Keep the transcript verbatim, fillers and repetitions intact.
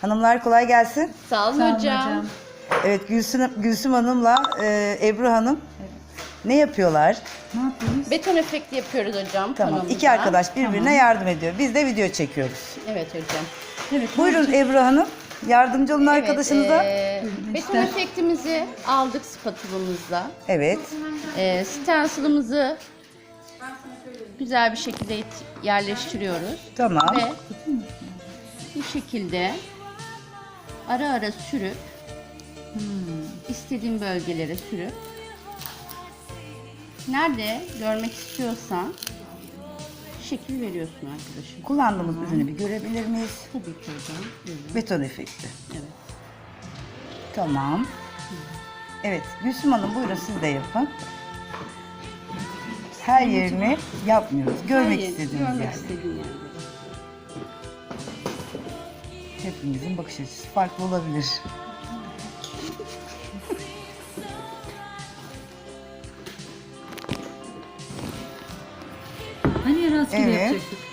Hanımlar kolay gelsin. Sağ olun Sağ olun hocam. hocam. Evet, Gülsüm, Gülsüm Hanım'la e, Ebru Hanım ne yapıyorlar? Ne yapıyoruz? Beton efekti yapıyoruz hocam. Tamam, panomuzda. iki arkadaş birbirine Tamam. yardım ediyor. Biz de video çekiyoruz. Evet hocam. Evet. Buyurun Ebru Hanım, yardımcı olun arkadaşınıza. Evet, e, beton efektimizi aldık spatulumuzla. Evet, E, stencil'ımızı güzel bir şekilde it- yerleştiriyoruz. tamam. Ve bu şekilde ara ara sürüp istediğin bölgelere sürüp nerede görmek istiyorsan şekil veriyorsun arkadaşım. Kullandığımız ürünü bir görebilir miyiz? Tabii ki hocam. Buyurun. Beton efekti. Evet. Tamam. Evet, Gülsüm Hanım buyurun siz de yapın. Her yerini yapmıyoruz. Görmek Hayır, istediğimiz görmek yerde. istediğin yerde. Hepimizin bakış açısı farklı olabilir. Hani rastgele Evet. yapacaktık?